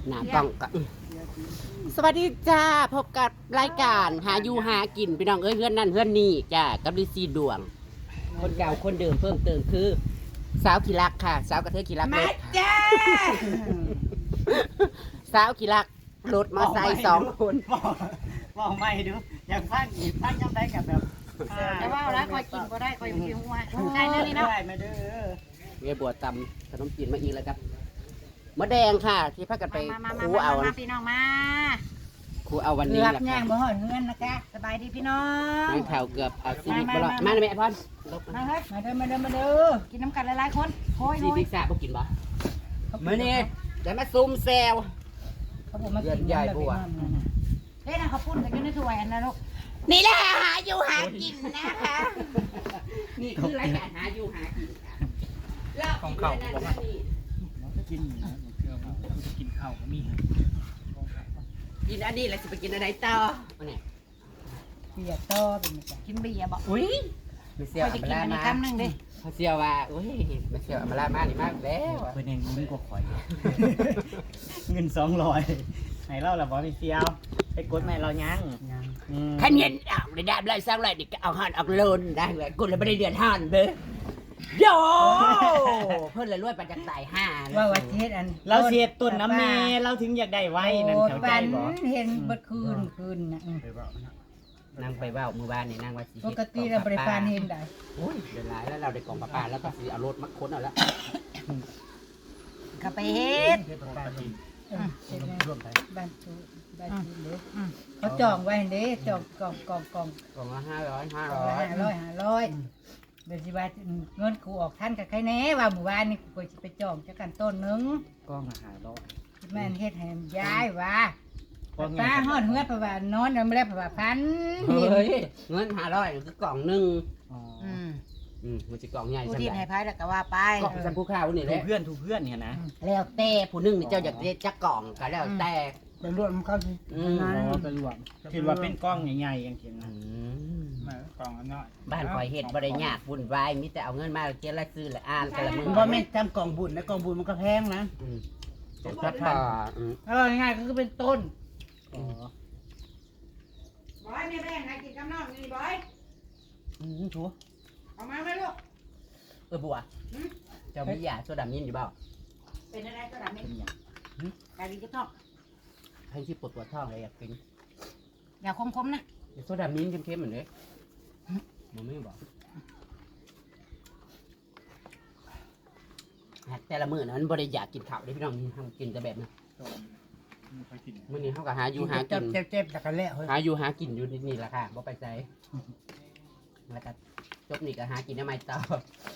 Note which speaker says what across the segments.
Speaker 1: หน้ากล้องก็สวัสดีจ้าพบกับรายการหาอยู่หากินพี่น้องเอ้ยเพื่อนนั่นเพื่อนนี่จ้ากับลิซี่ดวง คนเก่าคนเดิมเพิ่มเติมคือสาวขี้รักค่ะสาวกระเทยขี้รักร
Speaker 2: มา
Speaker 1: ถ
Speaker 2: จ้า
Speaker 1: สาวขี้รักรถมาใส่2 คน
Speaker 2: บอกไม่ดูอยากฟังอีกฟังยังได้กับแบบ
Speaker 3: แต่ว่าแล้วคอยกินก็ได้คอยกินหัวใกล้เนื้อนี่เนาะ
Speaker 2: ได้มาเด้อ
Speaker 1: เวียบัวตำขนมจีนมาอีกแล้วครับมะแดงค่ะ ที่พากันไป
Speaker 3: มา
Speaker 1: คูเอา
Speaker 3: พี่น้องมา
Speaker 1: คูเอาวันนี้
Speaker 2: เกือบ
Speaker 1: แหละ
Speaker 2: ย่า
Speaker 1: ค่ะ
Speaker 2: งบ่หอดเงินนะคะ
Speaker 3: สบายดีพี่น้อง
Speaker 1: ไม่ข่าวเกือบเอาชีวิตไปรอดมาเลยแม่พอนลบ
Speaker 3: มาเฮ้ย
Speaker 2: มาเด้อ
Speaker 3: กินน้ำกันหลายๆคนโอ้ย
Speaker 1: ซีพิซซ่าบ่กินบ่มื้อนี้จะมาซุ่มแซว
Speaker 2: เขาบอกมากิน
Speaker 1: เดือนใหญ่บัว
Speaker 3: เฮ้ยนะเขาปุ้นกันอยู่ในถ้วยอันนั้นลูก
Speaker 1: นี่แหละหาอยู่หากินนะคะ นี่คือรายการหาอยู่หากินค่ะ
Speaker 4: ของเขาบอกว่า กินนะมันเชื่อว่าจะกินข้าวก็มี
Speaker 1: กินอันนี้แล้วสิไปกินอะไรต่อเนี่ย
Speaker 2: เปียกต่อเป็นจัง
Speaker 3: กินเบียร์บอก
Speaker 1: อุ้ยไม่เสียว
Speaker 3: คอยจะ
Speaker 1: อัม
Speaker 3: กิน
Speaker 1: ลา
Speaker 3: อันนี้
Speaker 1: มา
Speaker 3: คำหนึ่งดิ
Speaker 1: เขาเสียวว่าอุ้ยไม่เสียวอัมลามานี่มากแล้ว
Speaker 4: เพื่อนเองรู้กว่าข่อย เงิน200ให้เราละบอพี่เซียวไปกดแม่เรายังอืม
Speaker 1: ขันเย็นเอาได้ได้ได้สร้างอะไรนี่ก็เอาหันเอาโลนได้เลยกูเลยไม่ได้เดือดหันเบ้อโยเพิ่นเลยรวยปัจจัยตายห้า
Speaker 2: ว่าว่าเทศอัน
Speaker 4: เราเสียต้นน้ำเมเราถึงอยากได้ไว้นั่นเข้าใจบ่
Speaker 2: เห็นเบิดคืนน่ะ
Speaker 1: นางไปเว่ามือบ้านนี่นางว่าสิ
Speaker 2: ปกติเราบริการเห็นได้
Speaker 1: โอ้ยเดือดร้ายแล้วเราได้กล่องปลาแล้วก็สิเอารถมาค้นเอาแล้ว
Speaker 3: ก็ไปเฮ็ด
Speaker 2: บ้านตู้บ้านตู้เด้เขาจองไว้เด้จองกอง
Speaker 1: กล่องละ500
Speaker 2: 500เดี๋ยวสิว่าเงินกูออกท่านกับใครแน่ว่าหมู่บ้านนี่กูจะไปจองจักกันต้นนึง
Speaker 4: กล้องอาหารร้อย
Speaker 2: แม่นเฮ็ดให้ย้ายว่าป้าฮอดเฮือดเพราะว่านอนยังไม่ได้เพราะว่าพัน
Speaker 1: เฮ้ยเงิน500คือกล่องหนึง
Speaker 4: อ๋อ
Speaker 1: มันจะกล่องใหญ่
Speaker 3: ผู้
Speaker 1: ซั่น
Speaker 3: ที่
Speaker 1: แห
Speaker 3: ให้
Speaker 1: ละ
Speaker 3: พายแล้วก็ว่าไป
Speaker 1: กล่องสันผู้ข้าวนี่แห
Speaker 4: ถู
Speaker 1: ละ
Speaker 4: กเพื่อนเนี่ยนะ
Speaker 1: แล้วแต่ผู้หนึงนี่เจ้าอยากได้จักกล่องก็แล้วแต่
Speaker 2: ไปรวมเขาสิ
Speaker 1: อืม
Speaker 4: อ๋อไปรวมคิดว่าเป็นกล้องใหญ่ๆอย่างเช่น
Speaker 1: อื
Speaker 4: นั้น
Speaker 1: ม
Speaker 4: กล้องน้อย
Speaker 1: บ้านคอยเฮ็ดบ่ได้ยากวุ่นวายมีแต่เอาเงินมาเก็บและซื้อและอ่านแต่ละมื้อ
Speaker 2: บ่แม่นจำกองบุญนะกองบุญมันก็แพงนะ
Speaker 1: เป็นพัดป่า
Speaker 2: ง่ายๆก็คือเป็นต้น
Speaker 4: อ๋อบ
Speaker 3: อยแม่แม่ให้กินกับน้องนี่บอย
Speaker 1: ชัว
Speaker 3: เอามาไหมลูก
Speaker 1: บัวเจ้ามียาโซดามินอยู่เปล่า
Speaker 3: เป็นอะไรก็ดำนี่กายดีจะท้อง
Speaker 1: ให้ที่ปวดท้องเลยอยากกิน
Speaker 3: อย่าคมๆนะ
Speaker 1: โซดามินเค็มๆเหมือนเด้มันไม่บอกแต่ละมื้อนั้นบ่ได้อยากกินข้าวได้พี่น้องทำกินแต่แบบนั้น
Speaker 4: ไม่ค่อยกิน
Speaker 1: มื้อนี้เฮาก็หาอยู่หากิน
Speaker 2: เจ็บแล้วก็แล้ว
Speaker 1: หาอยู่หากินอยู่นี่แหละค่ะบ่ไปไสแล้วก็จบนี่ก็หากินได้ไม่ต่อ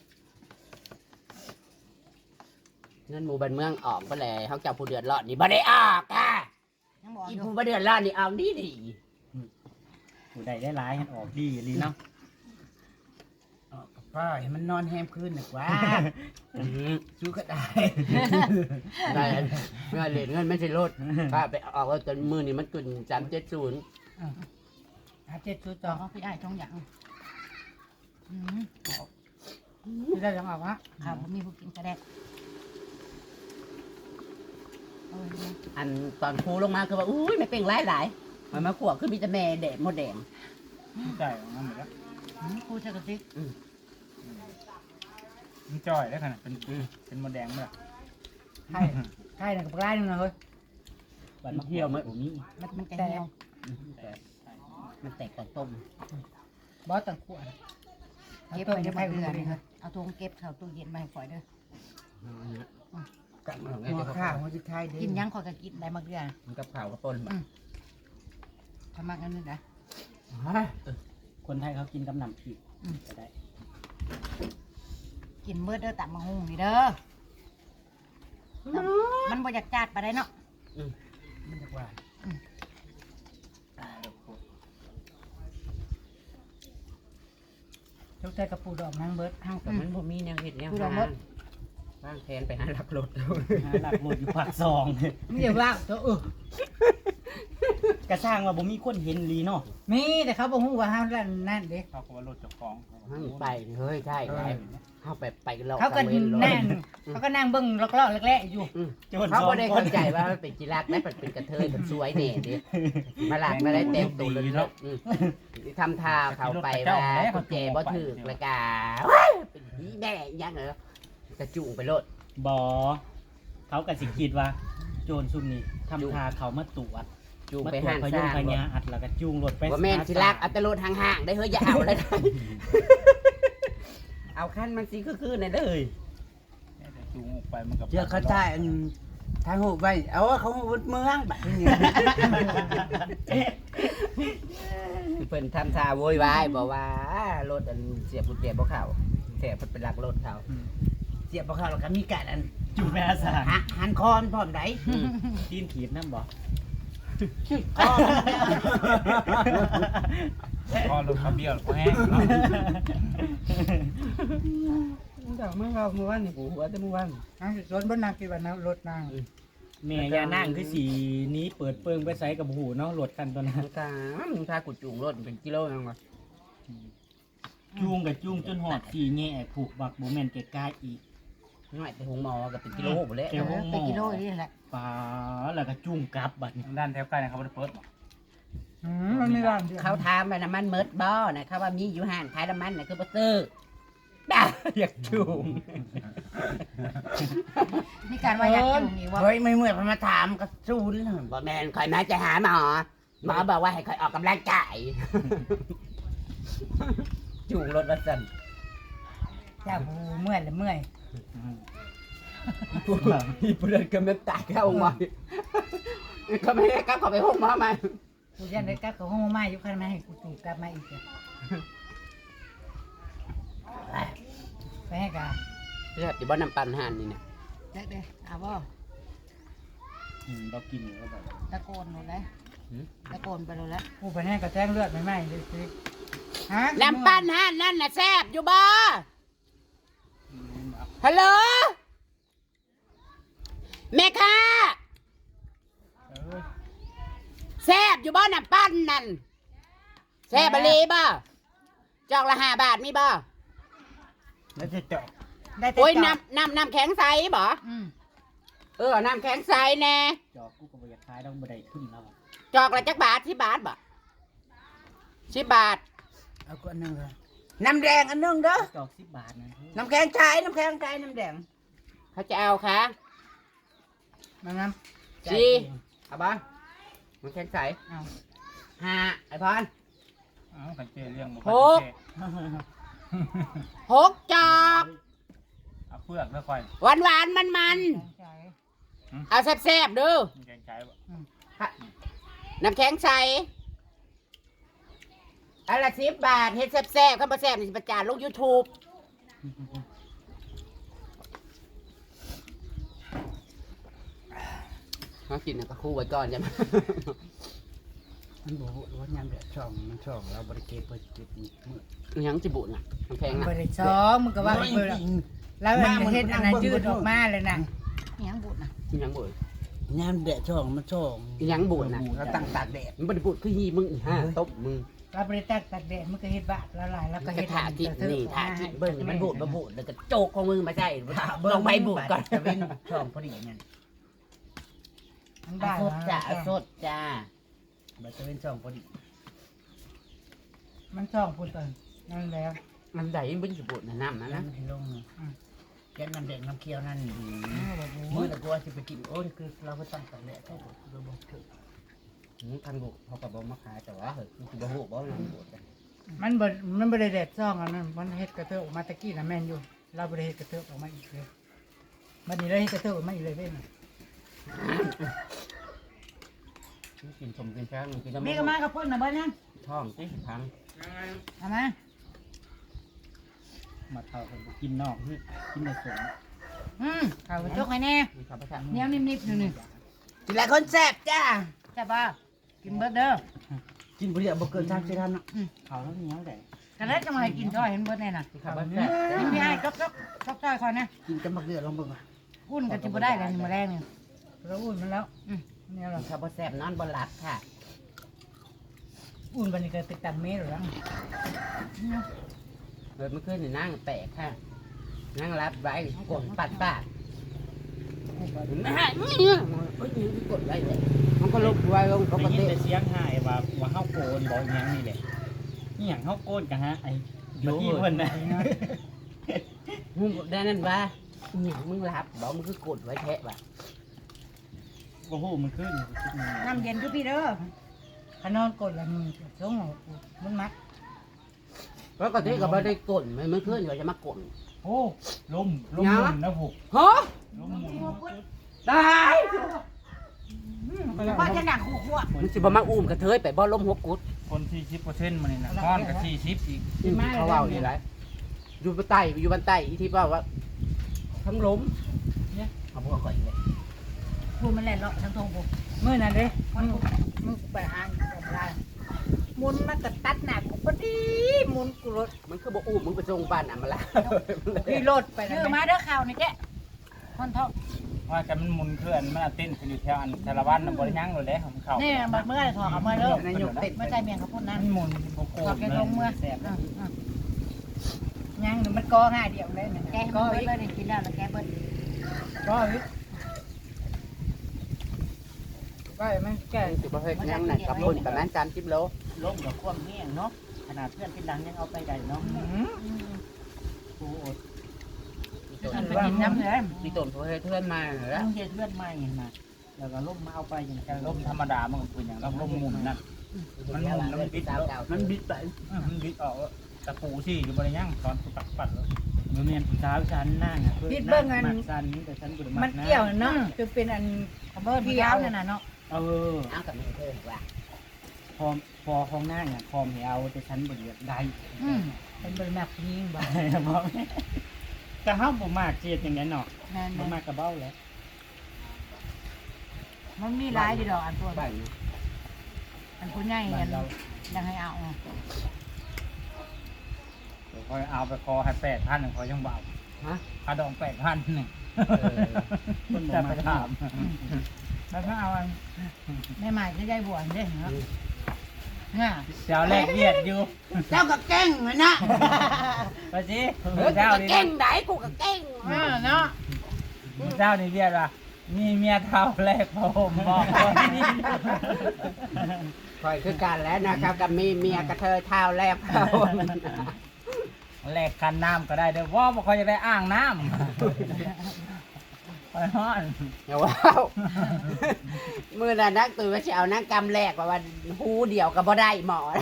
Speaker 1: เงินหมู่บ้านเมืองออกบ่แลเฮาเจ้าผู้เดือดร้อนนี่บ่ได้ออกค่ะ
Speaker 3: ยังบอก
Speaker 1: อี
Speaker 3: อยู่
Speaker 1: ผู้บ่เดือดร้อนนี่เอาดีดี
Speaker 4: ผู้ใดได้ร้ายให้ออกดีลีเนาะ
Speaker 2: ป้าให้มันนอนแฮมคืนน่ะกว่าชูก็ได้
Speaker 1: ได้เงินเหรียญเงินไม่ใช่รถป้าไปออกแล้วจนมือนี่มันขึ้น370
Speaker 2: หาเจ็ดชู
Speaker 3: ต่
Speaker 2: ต่
Speaker 3: อ
Speaker 2: อ
Speaker 3: เขาพี่ไอ้ท้องอย่าง
Speaker 2: ที่ได้ยังออกวะ
Speaker 3: ข้าวมีผู้กินกระแดก
Speaker 1: อันตอนครูลงมาคือว่าอุ้ยไม่เป็นหลายมันมาขวบคือมีแต่แม่แดดมดแดง
Speaker 4: ใช่ของมันหมดแล้ว
Speaker 3: กูจะกระซิบ
Speaker 4: มันจ่อยได้ขนาดเป็นมดแดงเมื่อ
Speaker 2: ใช่ใช่น่ะกับไร่นึงนะเฮ้ย
Speaker 4: บัดมาเที่ยวมั้ยผมมี
Speaker 3: มันจะเหี่ยว
Speaker 1: มันแตกก่อนต้ม
Speaker 2: บอสตังขวด
Speaker 3: เก็บไปได้มาเดือนเอาถุงเก็บเข้าตู้เย็นมาให้ข่อยเด้อ
Speaker 1: กับ
Speaker 2: หัวข้าวหัวจิไทยเด้
Speaker 3: กินยังข่อยก็กินได้มาเดือน
Speaker 1: มันกับข่าวกับต้น
Speaker 3: ทำมากอันนึงนะ
Speaker 4: คนไทยเขากินกับน้ำพริกก็ได้
Speaker 3: กินเมื่อเด้อตับมาหุงนี่เด้อมันบ่อยากจัดไปได้เนาะ
Speaker 2: มันจะหวานยกใจกระปูดอกนางเบิร์ด
Speaker 1: ข้าวกับมันบ่มีแนวเห็ดแนวหาบ้างแทนไปหาหลักรถ
Speaker 4: หลักหมดอยู่ปากซอง
Speaker 2: ไม่ใช่ว่าตัว
Speaker 4: กระสร้างว่าบ่มีคนเห็นลีเนาะ
Speaker 2: มีแต่เขาบอกว่าห้ามนั่นเด็ก
Speaker 5: เขาก็ว่ารถเจ้าของ
Speaker 1: ให้ไปเฮ้ยใช่ไงเข้าไปหลอก
Speaker 2: เขาก็
Speaker 1: ตะวน
Speaker 2: นั่งเขาก็นั่งเบิ้งลอกๆแรกๆอยู่
Speaker 4: โจร
Speaker 1: เขา
Speaker 4: สอง
Speaker 1: ไม่ได้
Speaker 4: ค
Speaker 1: เข้าน ใจว่ามันเป็นกีฬาได้เป็นกระเทยเป็นสวยเน่ดิมาหลักมาได้เต็มตัวเลยเนาะทำท่าเขาไปว่ากุญแจบ่ถึกแล้วก็เป็นพี่แม่ยังเหรอกระจุงไปโลด
Speaker 4: บ่เขาก็สิคิดว่า โจรซุ่มนี้ทำทาเขามาตรวจ
Speaker 1: จูง
Speaker 4: มา
Speaker 1: ไป
Speaker 4: ตรว
Speaker 1: ห้า
Speaker 4: จ
Speaker 1: ง
Speaker 4: พ
Speaker 1: ส
Speaker 4: ยุง
Speaker 1: ร้าง
Speaker 4: พญาอัดแล้วก็จูงรถไป
Speaker 1: ว่าแม่นสิลักอัตโลดห่างๆได้เฮ้ยอย่าเอาเลยเอาขั้นมันสิคือในเลย
Speaker 5: จูงออกไปมันกับ
Speaker 6: เจอเขาใต้ทางหูไปเอาว่าเขาวุดเมืองแบบนี้
Speaker 1: เพิ่นทำท่าโวยวายบอกว่ารถอันเสียบกุญแจบ่เข้าเสียบเพิ่นเป็นหลักรถเขา
Speaker 6: เสียบพอเขาแล้วก็มีการอัน
Speaker 4: จูงไปอาสา
Speaker 6: หันคอนพร้อมได
Speaker 4: ตีนขีดนั่นบ่
Speaker 6: คอน
Speaker 5: ก็รถขับเบี้ยวก็แห้งเนาะ
Speaker 6: จากเมื่อเราเมื่อวานนี่กูว่าแต่เมื่อวาน
Speaker 2: นั่งสวนบนนางกี่วันนะรถนาง
Speaker 4: แม่ยานั่งคือสีนี้เปิดเปิงไปใส่กับหูเนาะรถคันตัวนั้น
Speaker 1: ตามถ้ากูจูงรถเป็นกิโลยังวะ
Speaker 4: จูงกับจูงจนหอดสีแง่ผูกบักบ่แม่นแก่กายอีก
Speaker 1: น้อยแต่หงหมอกับเป็นกิโลหมดแล้ว
Speaker 4: แก้วห้องห
Speaker 3: ไป
Speaker 4: ม้อ
Speaker 3: กิโลนี่แหละ
Speaker 4: ปลาแล้วก็จูงกลับบัดนี้
Speaker 5: ด้านแถวใกล้เขาไม่ได้เปิดหรอก
Speaker 2: มันมีร้านเดียว
Speaker 1: เขาถามว่าน้ำมันเมิดบ่นะเขาว่ามีอยู่ห้างขายน้ำมันนะคือบ่ซื้อด่าอยากจูง
Speaker 3: มีการว่าอยากจูงอีกว่า
Speaker 6: เฮ้ยไม่เมื่อยมาถามก็ซูนเลย
Speaker 1: บ่แม่นคอยมาจะหาหมอหมอบอกว่าให้คอยออกกำลังกายจูงรถมาสั่น
Speaker 2: เจ้าผู้เมื่อยเลยเมื่อย
Speaker 1: พี่เพื่อนก็ไม่ตายเข้ามาเขาไม่ได้กลับเขาไปห้องหมอมา
Speaker 2: กูยันได้กลับกับห้องมาอยู่คันมาให้กูถูกกลับมาอีกเลยไปให้กา
Speaker 1: เรียกที่บ่น้ำปั่นห่านนี่นะ
Speaker 3: เด็กเด้เอาบ่
Speaker 4: เรากินแล้วแบบ
Speaker 3: ตะโกนหมดเลยตะโกนไปเลยแล้ว
Speaker 2: กูไปให้กระแจ้งเลือดไม่ไหม้เลยสิฮะ
Speaker 1: น้ำปั่นห่านนั่นน่ะแซ่บอยู่บ่ฮัลโหลแม่ค้าแซ่บอยู่บ่น้ำปั่นนั่นแซ่บบะลีบ่จอกละ5 บาทมีบ่
Speaker 6: แล้วจะเจาะ
Speaker 2: ได้แต่
Speaker 1: โอ้ย
Speaker 2: จอด
Speaker 1: น้ำแข็งใสบ่น้ำแข็งใสแน่
Speaker 4: จอกกูก็บ่อยากขายต้องบ่ได้ขึ้นแล้วอะ
Speaker 1: จอกละจักบาท10 บาทบ่10 บาท
Speaker 6: เอาก็นั่งเลยน้ำแดงอันนึงเด้อ
Speaker 4: จอก10 บาทนะ
Speaker 6: น้ำแข็งชายน้ำแข็งชายน้ำแดง
Speaker 1: เขาจะเอาค่ะ
Speaker 2: มันน้
Speaker 1: จีเอาบ้างมันแข็งใส5ไอ้พร
Speaker 5: อ้าวกันเจเรื่องบ่
Speaker 1: หก 6 จอก
Speaker 5: เอาเปลือกแล้วค่อย
Speaker 1: หวานมัน
Speaker 2: ำใจ
Speaker 1: ๆเอาแซ่บๆดู
Speaker 5: มันแกงใช้บ่
Speaker 1: น้ำแข็งใสอันละ10 บาทเฮ็ดแซ่บๆข้าวแซ่บนี่สิประจานลง YouTube มากินก็คู่ไว้ก่อนจ้ะ
Speaker 6: มันบอกว่ายามแดดช่องมันช่องเราบริเก็บเปิดเก็บมือ
Speaker 1: ยังจะบุญอ่ะน้ำแข็ง
Speaker 2: บ
Speaker 1: อ่ะ
Speaker 2: ริซ้อมมึงก็ว่าเบอร์แล้วเฮ็ดอันนั้นยืดออกมาเลยนะ
Speaker 3: ยังบุญนะ
Speaker 1: ยังบุญ
Speaker 6: ยามแดดช่องมันช่อง
Speaker 1: ยังบุญนะ
Speaker 6: เราตั้งตากแดด
Speaker 1: มันบ่ได้บุญคือฮีมึงอีห่าตบมึง
Speaker 2: เราบริตักตัดแดดมึงก็เฮ็ดบาทละลายแล้วก็
Speaker 1: ก็
Speaker 2: เฮ็ด
Speaker 1: ถ่าที่นี่ถ่าที่เบิ่งมันบุญมาบุญแล้วก็โจกของมึงมาใช่ลองใบบุญก่อน
Speaker 6: จะเป็นช่องพอดีเนี่ย
Speaker 2: มัน
Speaker 1: อา
Speaker 2: ได้
Speaker 1: สดจ้าอาสดจ้า
Speaker 6: มันจะเป็นช่องพอดี
Speaker 2: มันช่องพูดก่อนนั่นแล้ว
Speaker 1: มันได้มันจะบุญนะน้ำนะ
Speaker 6: นั่
Speaker 1: นะ
Speaker 6: นที่ลงแกงน้ำแดงน้ำเคี้ยวนั่นมือตะกัวจะไปกินโอ้ยคือเราไปตั้งตากแดดเราบอกเถอะ
Speaker 1: ทันบุญเขาก็บอกมาขายแต่ว่าเฮ้ยคือบ่ฮู้บ่ว่ามันบุญ
Speaker 2: มันบริเดดช่องอันนั้นมันเฮ็ดกระเทาะออกมาตะกี้นะแม่นอยู่เราบริเฮ็ดกระเทาะออกมาอีกเลยมันนี่เลยเฮ็ดกระเทาะออกมาอีกเลยเว้ย
Speaker 1: กินสมกินแป้งกิน
Speaker 3: มีก็มากับพ่นนะเบ้านนั่น
Speaker 1: ท้องสิพัง
Speaker 3: เอามา
Speaker 4: มาเท่ากันบ่กินนอกกินในสวน
Speaker 3: ข้าวกระจกให้แน่
Speaker 1: มีข้าวผัด
Speaker 3: เหนียวนิ่มๆอยู่นี่
Speaker 6: กินหลายคนแซ่บจ้า
Speaker 3: ใช่ป่ะกินเบิดเด้อ
Speaker 6: กินบุหรี่บ่เกิน3 4 ท่านเนาะ
Speaker 4: เขาแล้วเหนี้ยวได้
Speaker 3: กันแล้วจะมาให้กินซอยเห็นเบิดแน่น่ะ
Speaker 1: มีข้าวผัด
Speaker 3: กินพี่ให้จกซอยคอยนะ
Speaker 6: กินกับบักเดือดลองเบิ่ง
Speaker 3: อุ่นกันจะบ่ได้เลยนี่มื้อแรกนี่
Speaker 2: เราอุ่นมันแล้วเนี่ยหรอ
Speaker 1: ข้าวผัดแซ่บนอนบ่หลับค่ะ
Speaker 2: อุ่นบันนี้ก็ติดตันเมตรแล้ว
Speaker 1: เกิดเมื่อคืนนี่นั่งแปลกค่ะนั่งรับไว้กดปัดปากไม่ให้เนี่ยกดไว้เลยมันก็ลบไว้ลงป
Speaker 4: ได้
Speaker 1: ก
Speaker 4: ยิน
Speaker 1: ติ
Speaker 4: แต่เสียงหายว่าเฮาโกนบ่หยังนี่แหละนี่หยังเฮาโกนกันฮะไอ้บัดนี้เพิ่นน่ะ
Speaker 1: มึงได้นั่นว่าเนี่ยมึงรับบอกมึงคือกดไว้แทะว่ะ
Speaker 4: บ่ฮู้มันขึ้น
Speaker 3: น้ำเย็นทุกพี่เด้อ
Speaker 2: ขนอนกดละมึงช่วงมันมัด
Speaker 1: ปกติก็ไม่ได้กดเมื่อคืนเขาจะมากด
Speaker 5: โอ้ลมหมุนนะพวก
Speaker 1: ฮะ
Speaker 5: ลมหมุน
Speaker 1: ตาย
Speaker 3: ว่าจะหนักหัว
Speaker 1: มึงสิบ่มาอุ้มกระเทยไปบ่ล้มหัวกุด
Speaker 5: คน40%มันนี่นะก้อนกับ40อีก
Speaker 1: เขาเว้านี่ไรอยู่บนใต้อยู่บนใต้อีที่ว่าทั้งล้มเนี่ยเอาพวกก่อนเลย
Speaker 3: พูดมันแหละเลาะทั้งทงผม
Speaker 2: เมื่อนั้นเด้มึงไปหากับไรมุนมันก็ตัดหนักกูพอดีมุนกูรถ
Speaker 1: มันคือบ่อุ้มมึงไปส่งบ้านอ่ะมาละ
Speaker 2: พี่รถไป
Speaker 3: เย
Speaker 2: แล้ว
Speaker 3: อะมาเด้อข่าวนี่แกคนท้อง
Speaker 5: ว่ากันมันหมุนเคลื่อนมันเต้นขึ้นอยู่แถวอันสารวัตรน่ะบ่ได้ยั้งเลยเด้ของเขา
Speaker 3: นี่เมื่อไรถอดเอามาเด้อน
Speaker 1: ายกเต้น
Speaker 3: ไม่ใช่เมียเขาพูดนะ
Speaker 5: มันหมุนบ่โก
Speaker 3: ถอด
Speaker 5: น
Speaker 3: แกลงเมื่อ
Speaker 4: แซ่บ
Speaker 2: ยังมันก็ง่ายเดียวเลย
Speaker 3: แกให้มันเบิดเลยนี่กินแล้วแล้วแกเบิด
Speaker 2: ก็ก็มันแก่
Speaker 1: สิบ่เฮ็ดหยังน่ะกับคนประมาณ30โล
Speaker 4: ล้มกับความแห้งเนาะขนาดเพื่อนเป็นดังยังเอาไปได้เนาะโอ้โห
Speaker 3: มันไปกินน้ำเลย
Speaker 1: มีต้นผู้เฮ็ดเทือนมาเหรอ
Speaker 4: ต้องเฮ็ดเพื่อนใหม่มาแล้วก็ล้มมาเอาไปอย่างกัน
Speaker 5: ลมธรรมดามันก็เป็นอย่างลมหมุนนั่นมันหมุนแล้วมันบิดมันบิดไปมันบิดออกตะปูสิอยู่บ่ได้ยั้งตอนปัดปัดแล้ว
Speaker 4: มันเมียนผู้สาวฉันนั่งอ่ะมักสันแต่ฉันบ่ได้มั
Speaker 2: มั
Speaker 4: ก
Speaker 2: น
Speaker 4: นะ
Speaker 2: เกี่ยวเนาะจะเป็นอัน
Speaker 3: เบิดพี่ยาวนั่นน่ะเนาะ
Speaker 4: เออ
Speaker 1: เอากับมึงเพิ่นว่า
Speaker 4: พอของนั่งอ่ะพอมให้เอาแต่ฉันบ่ได้
Speaker 2: เป็นบริมาพิงบ่
Speaker 4: บ่ก็เฮาบ่มากเจียดอย่างนั้นเนาะ
Speaker 3: นั่น
Speaker 4: บ่มากกระเบ้าแหล้ว
Speaker 3: มันมีหลายดีดอกอันตัว
Speaker 1: บ้าน
Speaker 3: อันผู้ใหญ่
Speaker 4: บ้า
Speaker 3: อั
Speaker 4: น
Speaker 3: น
Speaker 4: เรา
Speaker 3: ยังให้เอา
Speaker 5: คอยเอาไปคอให้8,000คอยยังเบา
Speaker 1: ฮะ
Speaker 5: ค่าดอง8,000นี่
Speaker 4: คนบ่
Speaker 5: จะ
Speaker 4: มา
Speaker 5: ไปถาม
Speaker 2: แล้วก็เอาอัน
Speaker 3: แม่ใหม่ก็ได้บวชเด้เนาะ
Speaker 2: น่ะ
Speaker 5: เจ้าแรกเวียดอยู่
Speaker 1: เจ้าก็เก่งเลยนะ
Speaker 5: ไปสิ
Speaker 1: เฮ้ยกู
Speaker 5: เจ้า
Speaker 1: ก็
Speaker 5: นี่
Speaker 1: เก่งได้กูก็เก่ง
Speaker 2: เนาะ
Speaker 5: เจ้านี่เวียดว่ามีเมียเท่าแรกผมบอกว่านี่
Speaker 1: คอยคือกันแล้วนะครับกับมีเมียกระเทยเท้าแลบเขา
Speaker 5: แลกคันน้ำก็ได้เด้อว่าบ่ค่อยจะได้อ่างน้ำไปฮ้อน
Speaker 1: อย่าว้าวมือน่ะนักตื่นว่าจะเอานักกำแรกว่าหูเดียวก็บ่ได้หมอ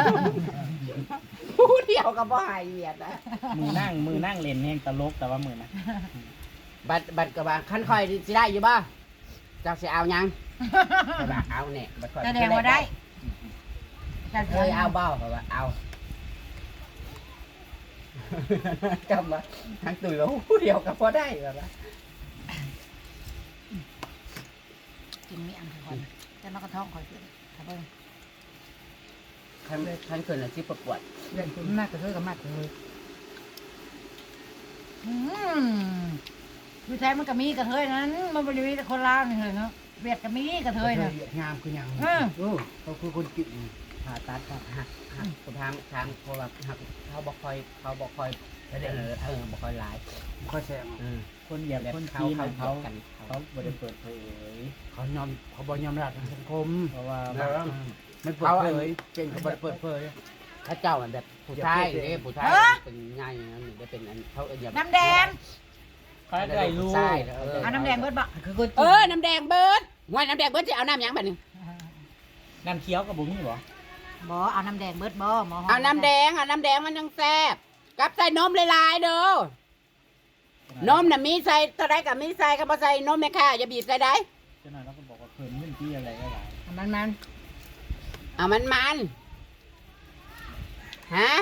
Speaker 1: หูเดียวก็บ่หายเวียดนะ
Speaker 4: มือนั่งเล่นแห่งตลกแต่ว่ามือนะ
Speaker 1: บัดก็ว่าคันคอยสิได้อยู่บ่เจ้าสิเอายังก็ว่าเอาเนี่ยบัดคอย
Speaker 3: แสดงว่าได้จะ
Speaker 1: เคยเอาบ่ก็ว่าเอาจำว่าทั้งตื่นว่าหูเดียวก็บ่ได้แบบว่า
Speaker 3: กินมีอันก่อนแต่มันก็ท้องคอยขึ้นถ้าเบิ่ง
Speaker 1: ทั้งคืนน่ะสิประกวด
Speaker 2: เรื่องคุณมากกระเทยกับมากกระเทย
Speaker 3: ผู้ชายมันก็มีกระเทยนั้นมันบริวารคนลาวนี่เลยเนาะเวียดก็มีกระเทยนะ
Speaker 1: งามคือหยัง เขาคือคนกินผ่าตัดครับหักทางเพราะว่าหักเขาบอกคอยบ่คอยหลาย
Speaker 6: ค่อยแซง
Speaker 4: คนเหยียบ
Speaker 1: แบบ
Speaker 4: คน
Speaker 1: เขา
Speaker 4: จีน
Speaker 1: เขา
Speaker 4: เขา
Speaker 1: กัน
Speaker 4: เขาบ่ได้เปิดเผย
Speaker 6: เขาบ่ยอมรับทางสังคม
Speaker 4: เพราะว่า
Speaker 6: ไม่เปิดเผยเก่งเขาบ่ได้เปิดเผย
Speaker 1: ถ้าเจ้าแบบผู้ชายเนี่ยผู้ชายเป็นง่ายอย่างนั้นได้เป็นอันเขาอย่า
Speaker 3: น้ำแดง
Speaker 4: เขาได้รู้
Speaker 3: เอาน้ำแดงเบิดบ่
Speaker 2: คือคน
Speaker 1: น้ำแดงเบิร์ดว่าน้ำแดงเบิร์ดจะเอาน้ำยังแบบนี้
Speaker 4: น้ำเคี้ยวกับบุ้มี่บ่
Speaker 3: บ่เอาน้ำแดงเบิดบ่หมอ
Speaker 1: เอาน้ำแดงมันยังแซ่บกับใส่นมหลายๆเด้อนมน่ะมีใส่ตะไดกับมีใส่กับบ่ใส่นมแม่ค่ะอย่าบีบใส่ได้
Speaker 4: เจ้าหน่อยเราก็บอกว่าเพิ่นเรื่องที่อะไรก็หลาย
Speaker 2: มัน
Speaker 1: เอามันฮะ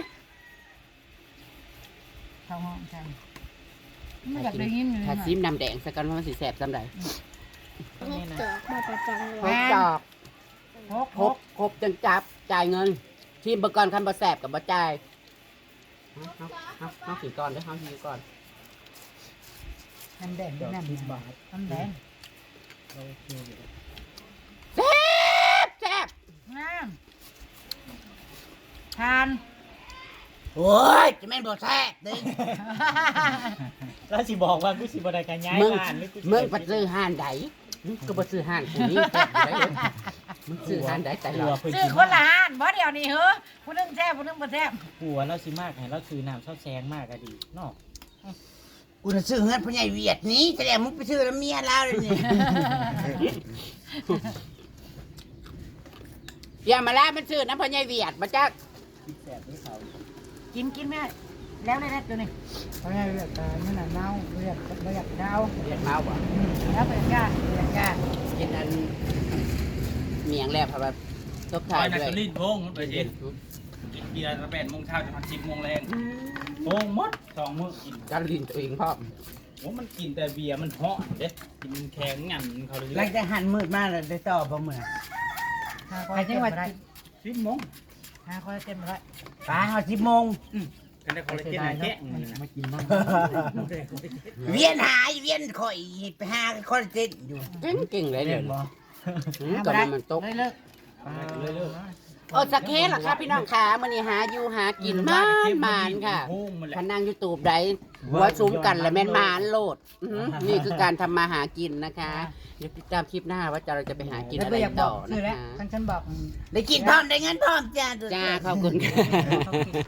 Speaker 3: ท้องห้องใช่ไม่อยากได้ยินเลย
Speaker 1: ถ้าซิมน้ำแดงสักกันว่ามันสิแซ่บซ้ำใด
Speaker 4: นี่นะ
Speaker 1: ครบจอก ครบจนจับจ่ายเงินทีมเบอร์ก่อนคันบ่แซ่บกับบ่จ่ายเอาขี่ก่อนเด้อเอาขี่ก่อน
Speaker 2: น้ำแดงน้ำ
Speaker 4: 10 บาท
Speaker 2: น้ำแดง
Speaker 4: โอเคอยู่
Speaker 1: แซ่บ
Speaker 3: งาม
Speaker 6: อ้ยจะแม่นบ่แซ่บเด้
Speaker 4: แล้วสิบอกว่ากูสิบ่ได้กันย้าย
Speaker 1: มึง
Speaker 4: บ้านหรือกูสิ
Speaker 1: มึงไปซื้อห้านใดก็ไปซื้อห้านกูนี่แต่ได้เลยมึงซื้อห้านใดแต่
Speaker 4: กลั
Speaker 1: ละ
Speaker 4: วเพิ่น
Speaker 3: ซื้อ
Speaker 4: สิ
Speaker 3: คนละห้านบ่เดี๋ยวนี้เหรอผู้นึงแซ่บผู้นึงบ่แซ่บ
Speaker 4: กลัวเราสิมากให้เราซื้อน้ำเช้าแซงมากก็ดีเนาะ
Speaker 6: กูน่ะซื้อเงินพ่อใหญ่เวียดนี้แสดงมึงไปซื้อแล้วเมียเราเลยนี่
Speaker 1: อย่ามาล่ามันซื้อน้ำพอใหญายเวียดมาจ้า
Speaker 4: แซ่บนี่เขา
Speaker 3: กินแม่แล้วได้ตัวนี้
Speaker 2: เพราะไงเวียดนั่นน่ะเน่าเวียดเน่า
Speaker 1: เวียดเมาบ่
Speaker 3: แล้วเป็นก้า
Speaker 2: เวียดก้า
Speaker 1: กินอันเมียงแล้วครับว่าตบ
Speaker 5: ค
Speaker 1: ท้า
Speaker 5: อย ยนัก
Speaker 1: ด้วย
Speaker 5: ลิ้นโพงมันไปเห็นกินเบียร์ตั้ง8 โมงเช้าจนถึง10 โมงแรงโพงหมด2 มื้อกิน
Speaker 1: การลินตัวเองพ่อม
Speaker 5: โอ้มันกินแต่เบียร์มันเหาะเด้กินแข็งงันเขาเลย
Speaker 6: หลังจากหันมืดมาแล้วได้ต่อบ่มื้อ
Speaker 2: ใครจังหวัด
Speaker 5: 10 โมง
Speaker 2: หาคอยเต็มไปได้
Speaker 6: ปลาเฮา10 โมง
Speaker 5: กันได้คอลลาเจนแค่
Speaker 2: มากินบ้าง
Speaker 6: เวียนหายเวียนข่อยไปหาคอลลาเจนอยู่
Speaker 1: เก่งเลยเดี๋ยวนี้ตอนนี้มันตก
Speaker 3: เลิก
Speaker 1: โอ้สักเคสเหรอครับพี่น้องขามันนี่หาอยู่หากินมานค่ะ
Speaker 5: โพงมันแหละ
Speaker 1: พนังยูทูบใดหัวซุ้มกันและแม่นมานโลดนี่คือการทำมาหากินนะคะเดี๋ยวติดตามคลิปหน้าว่าเราจะไปหากิน
Speaker 2: แล้ว
Speaker 1: อะไร
Speaker 2: ก็อยากบ
Speaker 1: ต่
Speaker 2: อ
Speaker 1: อก
Speaker 2: ซื้อ
Speaker 1: นะ
Speaker 2: แล้ว
Speaker 1: คะ
Speaker 2: ฉันบอก
Speaker 6: ได้กินพร้อมได้เงินพร้อมจ้า
Speaker 1: จ้าขอบคุณค่ะ